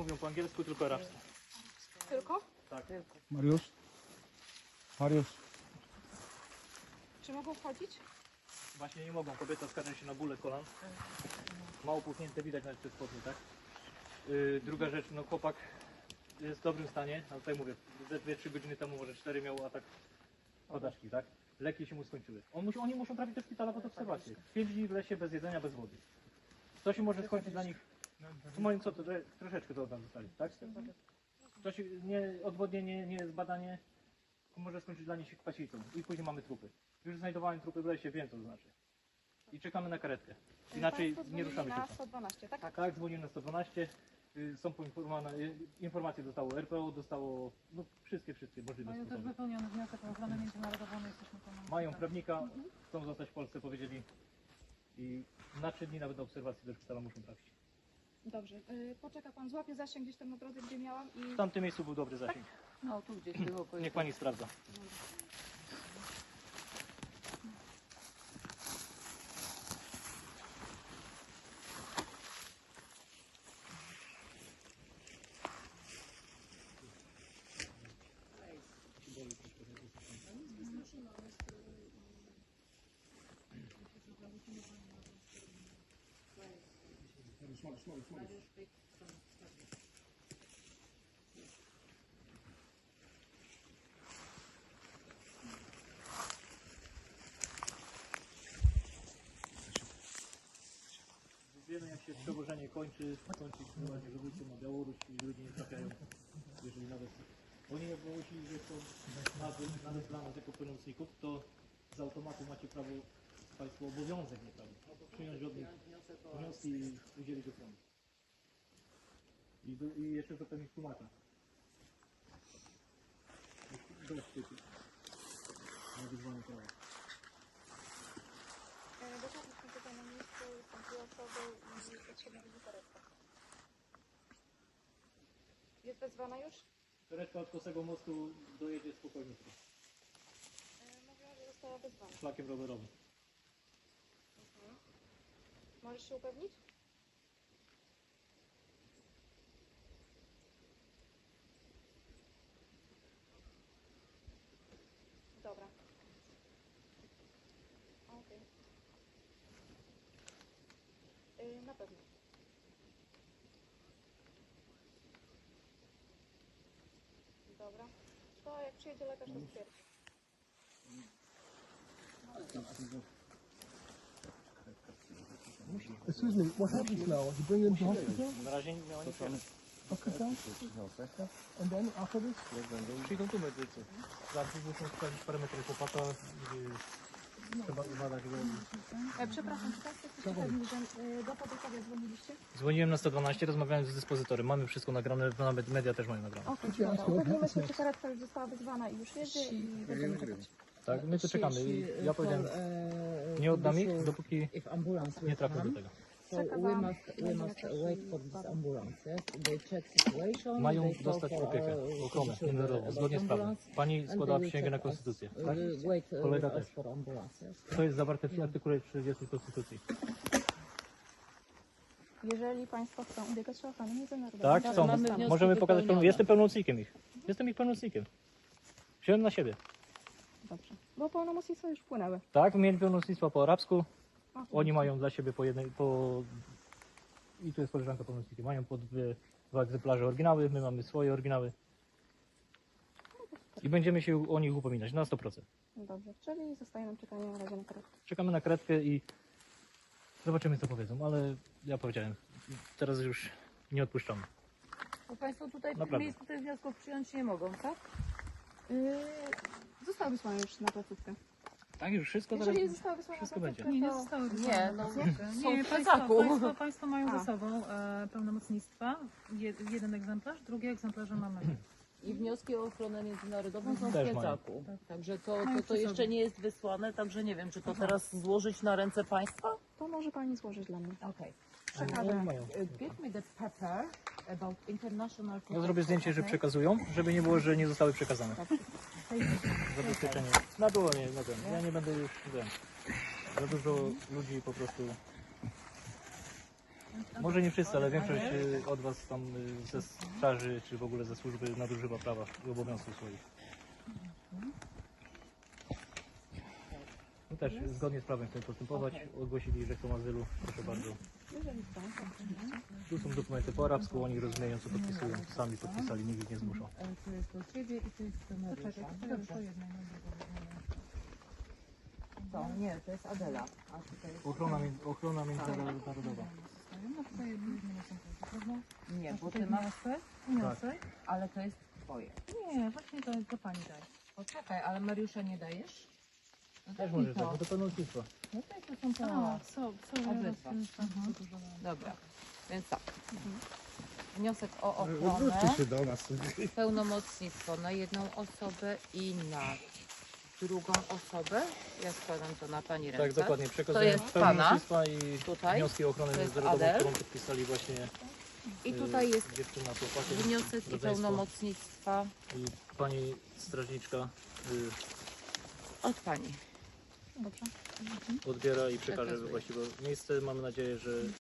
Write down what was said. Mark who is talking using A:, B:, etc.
A: mówią po angielsku, tylko arabsku.
B: Tylko?
A: Tak.
C: Mariusz? Mariusz?
B: Czy mogą wchodzić?
A: Właśnie nie mogą. Kobieta skarży się na bóle kolan. Mało puchnięte, widać nawet te spodnie, tak? Druga rzecz, no chłopak jest w dobrym stanie, ale tutaj mówię, ze 2-3 godziny temu, może 4 miał atak padaczki, tak? Leki się mu skończyły. Oni muszą trafić do szpitala pod obserwację. 5 dni w lesie bez jedzenia, bez wody. Co się może skończyć dla nich? Tu mają co, to troszeczkę to tam zostali, tak? To się, odwodnienie, nie zbadanie, może skończyć dla nich się kwasicą. I później mamy trupy. Już znajdowałem trupy w lesie, wiem co to znaczy. I czekamy na karetkę. Inaczej
B: Państwo
A: nie ruszamy się.
B: na
A: tam.
B: 112, tak?
A: Tak, dzwonimy na 112. Są poinformowane, informacje dostało RPO, dostało no, wszystkie możliwe
D: Mają też
A: sposoby.
D: wypełniony wniosek o ochronę międzynarodową, my jesteśmy pomocni.
A: Mają prawnika, chcą zostać w Polsce, powiedzieli. I na 3 dni nawet do obserwacji do szpitala muszą trafić.
B: Dobrze. Poczeka pan, złapie zasięg gdzieś tam na drodze, gdzie miałam i...
A: W tamtym miejscu był dobry zasięg.
D: No tu gdzieś było.
A: Niech pani sprawdza. Wiemy jak się przewożenie kończy się właśnie, że wrócą na Białoruś i ludzie nie trafiają, jeżeli nawet oni jak ogłosili, że są nawet dla nas jako pełnomocników, to z automatu macie prawo, Państwo obowiązek, nie prawo, przyjąć od nich wnioski i udzielić ochrony. I jeszcze to pewnie tłumacza. Dość typu na wyzwanie prawa.
B: Dokładnie są tutaj na miejscu, są 2 osoby i potrzebna będzie karetka. Jest wezwana już?
A: Karetka od Kosego Mostu dojedzie spokojnie
B: Mówiła, że została wezwana.
A: szlakiem rowerowym.
B: Możesz się upewnić? Dobra. Okej. Na pewno. Dobra. To jak przyjedzie lekarz, to stwierdzi.
C: Excuse me, what happens now? You bring them to hospital?
A: Na razie nie miała nic wiele.
C: Hospital? And then after this?
A: Przyjdą tu medycy. Zawsze muszą sprawdzić parametry chłopaka. Trzeba badać go.
B: Przepraszam, czy Państwo chcecie powiedzieć, że do pogotowania dzwoniliście?
A: Dzwoniłem na 112, rozmawiałem z dyspozytorem. Mamy wszystko nagrane, nawet media też mają nagrane.
B: Okej, dobra. Upewnimy się, czy karetka już została wezwana i już jedzie i będziemy czekać.
A: Tak, my tu czekamy. I ja powiedziałem, nie oddam ich, dopóki nie trafię do tego.
E: So we must wait for this ambulance. Yes? They check situation.
A: Mają
E: they call
A: dostać
E: for,
A: opiekę, ochronę międzynarodową, zgodnie z prawem. Pani składała przysięgę na konstytucję. Tak?
E: Wait
A: Kolega
E: with us
A: też.
E: for ambulance. Yes?
A: To jest zawarte w artykule 40 Konstytucji.
B: Jeżeli Państwo chcą ubiegać się o ochronę międzynarodową,
A: Tak,
B: to
A: chcą.
E: mamy wnioski
A: Możemy pokazać.
E: wypełnione.
A: Jestem pełnomocnikiem ich. Jestem ich pełnomocnikiem. Wziąłem na siebie.
B: dobrze. Bo pełnomocnictwa już wpłynęły.
A: Tak, mieli pełnomocnictwa po arabsku.
B: O,
A: Oni mają dla siebie po jednej, i tu jest koleżanka pełnomocnikiem. Mają po dwa egzemplarze oryginały, my mamy swoje oryginały. I będziemy się o nich upominać na 100%.
B: Dobrze, czyli zostaje nam czekanie na razie na karetkę.
A: Czekamy na karetkę i zobaczymy co powiedzą, ale ja powiedziałem, teraz już nie odpuszczamy.
D: Bo Państwo tutaj w tym
A: Naprawdę.
D: miejscu tych wniosków przyjąć nie mogą, tak?
B: Zostały wysłane już na placówkę.
A: Tak, już wszystko
B: Jeżeli
A: zaraz.
B: zostały wysłane
A: wszystko
B: na
A: będzie.
B: placówkę,
D: Nie
B: to...
D: zostały
E: Nie, no
D: Nie,
E: w
D: państwo mają
B: A.
D: ze sobą pełnomocnictwa. Jeden egzemplarz, drugie egzemplarze mamy.
E: I wnioski o ochronę międzynarodową są w
A: Też mają.
E: piecaku. Także to
D: Mają przy
E: jeszcze
D: sobie.
E: nie jest wysłane, także nie wiem, czy to teraz złożyć na ręce państwa?
B: To może Pani złożyć dla mnie.
E: Okay.
B: Przekażę.
A: Mają.
E: Give me the paper about international
A: Ja zrobię zdjęcie, że przekazują, żeby nie było, że nie zostały przekazane.
B: Tak.
A: Zabezpieczenie. Na dłonie, na ten. Ja nie będę już wiem. Za dużo ludzi po prostu Może nie wszyscy, ale większość od Was tam ze straży, czy w ogóle ze służby nadużywa prawa i obowiązków swoich. No też zgodnie z prawem chcemy postępować. Ogłosili, że chcą azylu. Proszę bardzo. Tu są dokumenty po arabsku, oni rozumieją co podpisują. Sami podpisali, nikt ich nie zmuszał.
E: To jest do Ciebie i to jest do Mariusza. Dobrze. To nie, to jest Adela. A tutaj jest...
A: Ochrona międzynarodowa.
D: No tutaj jedno egzemplarze, prawda?
E: Nie, bo
D: Tutaj
E: Ty masz...
D: wniosek.
E: Ale to jest Twoje.
D: Nie, właśnie to pani daje.
E: Poczekaj, ale Mariusza nie dajesz? No
A: Też
E: to
A: może
E: i
A: tak,
E: to.
A: no to pełnomocnictwo.
E: No to są to.
D: Co
E: Obydwa.
D: dużo.
E: Dobra, więc tak. Wniosek o
C: Odwróćcie
E: ochronę,
C: się do nas.
E: pełnomocnictwo na jedną osobę i na drugą osobę. Ja składam to na Pani ręce.
A: Tak, dokładnie.
E: To
A: Przekazuję
E: jest
A: pełnomocnictwa i
E: Tutaj.
A: wnioski o ochronę
E: To jest
A: międzynarodową,
E: Adel.
A: którą podpisali właśnie
E: I tutaj jest
A: dziewczyna, chłopakiem,
E: wniosek i
A: rodzeństwo.
E: pełnomocnictwa
A: I pani strażniczka
E: od Pani.
D: Dobrze.
A: odbiera i przekaże we
E: Przekazuje.
A: właściwe miejsce. Mamy nadzieję, że